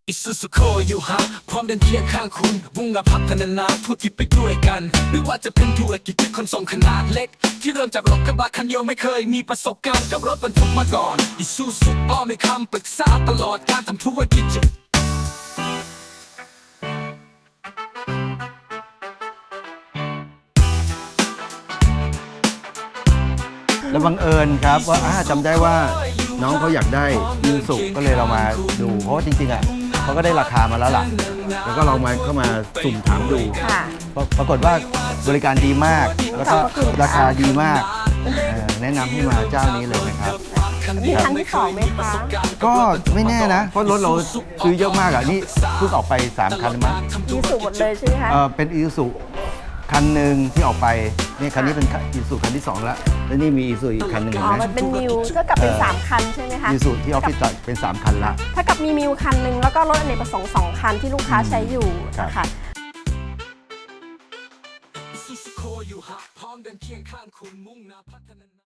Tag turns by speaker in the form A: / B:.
A: อิซูซุโคอยู่ฮะพร้อมเดินเคียงข้างคุณมุ่งหน้าพัฒนาธุรกิจไปด้วยกันไม่ว่าจะเป็นธุรกิจขนส่งขนาดเล็กที่เริ่มจากรถกระบะคันเดียวไม่เคยมีประสบการณ์กับรถบรรทุกมาก่อนอิซูซุอ้อมให้คำปรึกษาตลอดการทำธุรกิจ
B: แล้วบังเอิญครับว่าจำได้ว่าน้องเขาอยากได้ยูสุก็เลยเรามาดูเพราะว่าจริงๆอ่ะเขาก็ได้ราคามาแล้วล่ะแล้วก็เราเข้ามาสุ่มถามดู
C: ค่ะ
B: ปรากฏว่าบริการดีมากแล้วก็ราคาดีมากแนะนำให้มาเจ้านี้เลยนะครับ
C: มีครั้งที่สองไหมคะ
B: ก็ไม่แน่นะเพราะรถเราซื้อเยอะมากอ่ะนี่เพิ่งออกไป3คันมั้ง
C: มีสูตรหมดเลยใช่ไหมคะ
B: เป็นอีซูคันหนึ่งที่ออกไปนี่คันนี้เป็นอีซูคันที่2แล้วแล้วนี่มีอีซูอีกคันหนึ่ง
C: อ๋อ มันเป็นมิวเท่ากับเป็น3คันใช่ไหมคะ
B: อีซูที่ออฟฟิศเป็น3คันละ
C: ถ้ากับมีมิวคันหนึ่งแล้วก็รถอเนกประสงค์2คันที่ลูกค้าใช้อยู่
B: ครับ
C: ค่ะ
A: อิซูซุโคอยู่ฮะพร้อมเดินเคียงข้างคุณมุ่งหน้าพัฒนา